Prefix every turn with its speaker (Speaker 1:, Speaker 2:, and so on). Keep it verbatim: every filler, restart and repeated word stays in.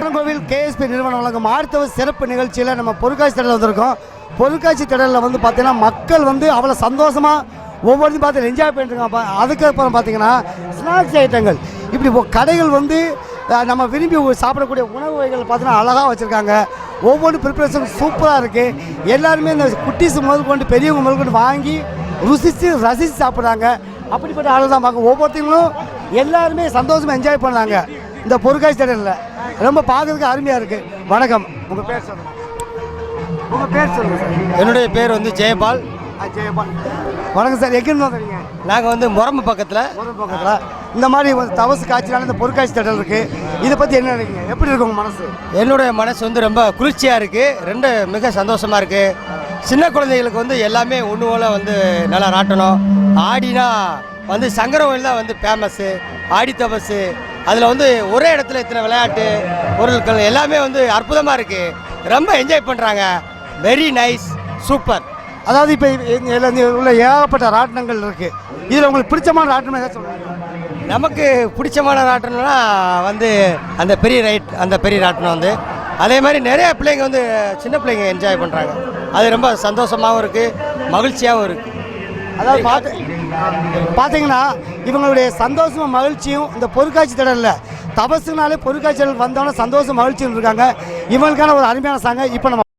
Speaker 1: Nagercoil KSP நிறுவனம் வழங்கும் ஆர்த்தவ சிறப்பு நிகழ்ச்சியில் நம்ம பொருட்காட்சி திடலில் வந்திருக்கோம். பொருட்காட்சி திடலில் வந்து பார்த்தீங்கன்னா மக்கள் வந்து அவ்வளோ சந்தோஷமாக ஒவ்வொருத்தையும் பார்த்து என்ஜாய் பண்ணிட்டுருக்காங்க. அதுக்கப்புறம் பார்த்தீங்கன்னா ஸ்நாக்ஸ் ஐட்டங்கள் இப்படி கடைகள் வந்து நம்ம விரும்பி சாப்பிடக்கூடிய உணவு வகைகள் பார்த்தீங்கன்னா அழகாக வச்சுருக்காங்க. ஒவ்வொரு ப்ரிப்பரேஷன் சூப்பராக இருக்குது. எல்லாருமே இந்த குட்டீஸ் முதல் கொண்டு பெரியவங்க முதல் கொண்டு வாங்கி ருசித்து ரசித்து சாப்பிட்றாங்க. அப்படிப்பட்ட ஆள் தான் பார்க்க ஒவ்வொருத்தங்களும் எல்லாருமே சந்தோஷமாக என்ஜாய் பண்ணாங்க. இந்த பொருட்காட்சி திடலில் ரொம்ப பார்க்கறதுக்கு அருமையாக இருக்குது. வணக்கம், உங்கள் பேர் சொல்லுங்கள். உங்கள் பேர் சொல்லுங்கள் சார்.
Speaker 2: என்னுடைய பேர் வந்து ஜெயபால்.
Speaker 1: ஜெயபால், வணக்கம் சார். எங்கேருந்து வந்துறீங்க?
Speaker 2: நாங்கள் வந்து முரம்பு பக்கத்தில்
Speaker 1: முரம்பு பக்கத்தில் இந்த மாதிரி தவசு காய்ச்சினால இந்த பொருட்காட்சி திடல் இருக்குது. இதை பற்றி என்ன நினைக்கிறீங்க? எப்படி இருக்கு உங்கள் மனசு?
Speaker 2: என்னுடைய மனசு வந்து ரொம்ப குளிர்ச்சியாக இருக்குது. ரெண்டு மிக சந்தோஷமாக இருக்குது. சின்ன குழந்தைகளுக்கு வந்து எல்லாமே ஒன்று போல் வந்து நல்லா ராட்டணும். ஆடினா வந்து சங்கரவயில் தான் வந்து ஃபேமஸ்ஸு. ஆடி தபசு அதில் வந்து ஒரே இடத்துல இத்தனை விளையாட்டு பொருட்கள் எல்லாமே வந்து அற்புதமாக இருக்குது. ரொம்ப என்ஜாய் பண்ணுறாங்க. Very nice, super.
Speaker 1: அதாவது இப்போ உள்ள ஏகப்பட்ட ராட்டினங்கள் இருக்குது. இதில் உங்களுக்கு பிடிச்சமான ராட்டினம் ஏதாவது சொல்லுங்கள்.
Speaker 2: நமக்கு பிடிச்சமான ராட்டினம்னா வந்து அந்த பெரிய ரைட் அந்த பெரிய ராட்டினம் வந்து அதே மாதிரி நிறைய பிள்ளைங்க வந்து சின்ன பிள்ளைங்க என்ஜாய் பண்ணுறாங்க. அது ரொம்ப சந்தோஷமாகவும் இருக்குது, மகிழ்ச்சியாகவும் இருக்குது.
Speaker 1: அதாவது பார்த்து பார்த்தீங்கன்னா இவங்களுடைய சந்தோஷமும் மகிழ்ச்சியும் இந்த பொருட்காட்சி திடலில் தபசுனாலே பொருட்காட்சி திடல் வந்தோன்னே சந்தோஷம் மகிழ்ச்சியும் இருக்காங்க. இவங்களுக்கான ஒரு அருமையான சாங்க இப்போ நம்ம